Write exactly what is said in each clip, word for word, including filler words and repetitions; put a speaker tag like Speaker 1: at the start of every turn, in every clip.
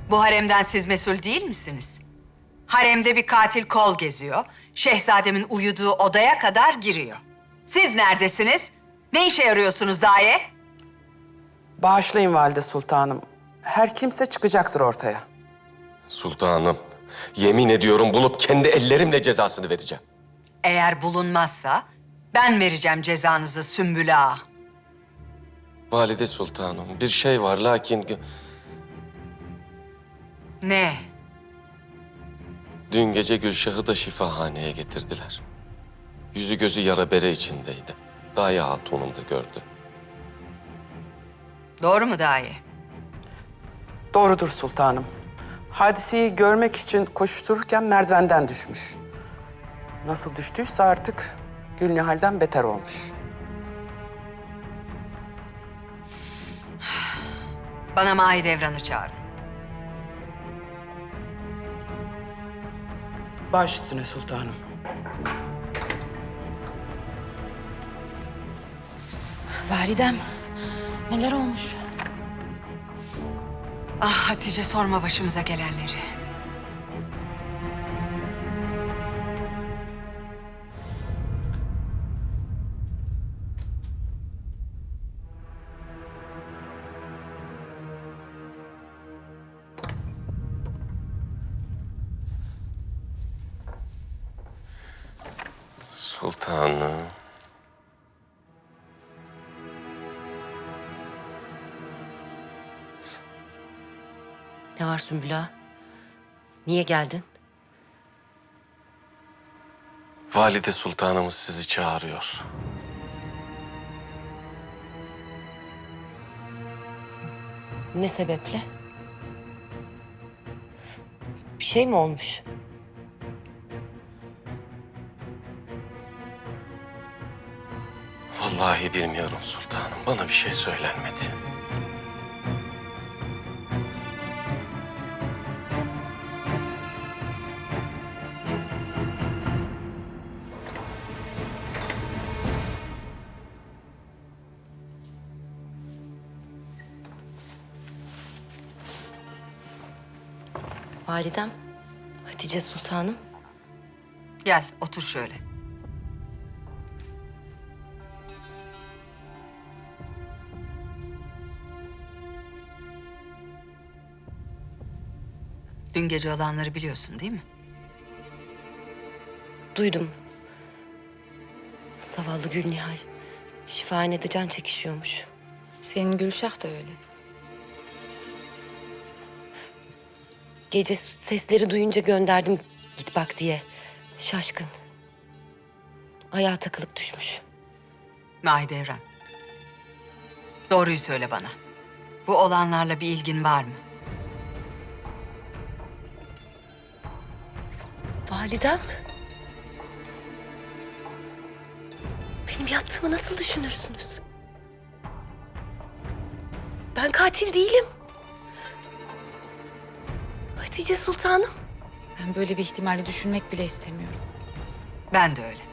Speaker 1: Bu haremden siz mesul değil misiniz? Haremde bir katil kol geziyor. Şehzademin uyuduğu odaya kadar giriyor. Siz neredesiniz? Ne işe yarıyorsunuz daye?
Speaker 2: Bağışlayın valide sultanım. Her kimse çıkacaktır ortaya.
Speaker 3: Sultanım, yemin ediyorum bulup kendi ellerimle cezasını vereceğim.
Speaker 1: Eğer bulunmazsa ben vereceğim cezanızı Sümbül Ağa.
Speaker 3: Valide sultanım, bir şey var lakin...
Speaker 1: Ne?
Speaker 3: Dün gece Gülşah'ı da şifahaneye getirdiler. Yüzü gözü yara bere içindeydi. Daye Hatun'um da gördü.
Speaker 1: Doğru mu daye?
Speaker 2: Doğrudur sultanım. Hadiseyi görmek için koştururken merdivenden düşmüş. Nasıl düştüyse artık Gülnihal'den beter olmuş.
Speaker 1: Bana Mahidevran'ı çağırın.
Speaker 2: Baş üstüne sultanım.
Speaker 4: Validem, neler olmuş?
Speaker 1: Ah Hatice, sorma başımıza gelenleri.
Speaker 3: Sultanım.
Speaker 5: Ne var Sümbül Ağa? Niye geldin?
Speaker 3: Valide sultanımız sizi çağırıyor.
Speaker 5: Ne sebeple? Bir şey mi olmuş?
Speaker 3: Vallahi bilmiyorum sultanım. Bana bir şey söylenmedi.
Speaker 5: Validem, Hatice Sultanım.
Speaker 1: Gel, otur şöyle. Dün gece olanları biliyorsun değil mi?
Speaker 5: Duydum. Zavallı Gülnihal şifahanede can çekişiyormuş.
Speaker 4: Senin Gülşah da öyle.
Speaker 5: Gece sesleri duyunca gönderdim git bak diye. Şaşkın. Ayağa takılıp düşmüş.
Speaker 1: Mahidevran. Doğruyu söyle bana. Bu olanlarla bir ilgin var mı?
Speaker 5: Validem. Benim yaptığımı nasıl düşünürsünüz? Ben katil değilim. Hatice Sultanım.
Speaker 4: Ben böyle bir ihtimali düşünmek bile istemiyorum.
Speaker 1: Ben de öyle.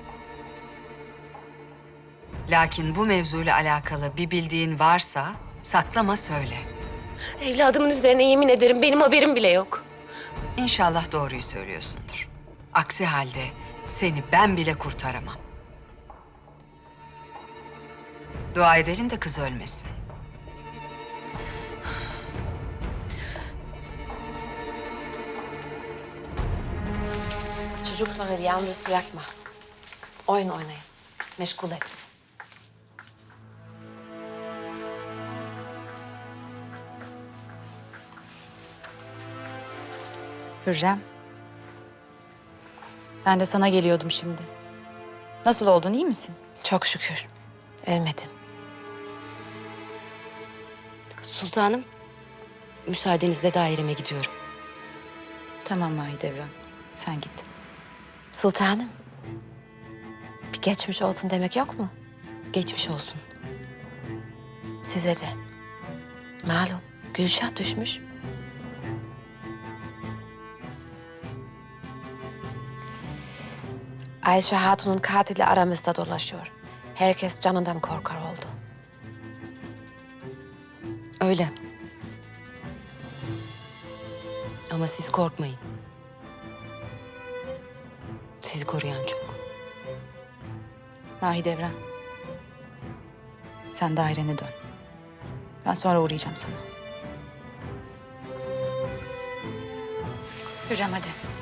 Speaker 1: Lakin bu mevzuyla alakalı bir bildiğin varsa saklama söyle.
Speaker 5: Evladımın üzerine yemin ederim benim haberim bile yok.
Speaker 1: İnşallah doğruyu söylüyorsundur. Aksi halde seni ben bile kurtaramam. Dua edelim de kız ölmesin.
Speaker 6: Çocukları yalnız bırakma. Oyun oynayın. Meşgul et.
Speaker 4: Hürrem. Ben de sana geliyordum şimdi. Nasıl oldun, iyi misin?
Speaker 6: Çok şükür. Ölmedim.
Speaker 5: Sultanım, müsaadenizle daireme gidiyorum.
Speaker 4: Tamam Mahidevran, sen git.
Speaker 6: Sultanım. Bir geçmiş olsun demek yok mu?
Speaker 5: Geçmiş olsun.
Speaker 6: Size de. Malum Gülşah düşmüş. Ayşe Hatun'un katili aramızda dolaşıyor. Herkes canından korkar oldu.
Speaker 5: Öyle. Ama siz korkmayın. Sizi koruyan çok.
Speaker 4: Mahidevran. Sen dairene dön. Ben sonra uğrayacağım sana. Hürrem hadi.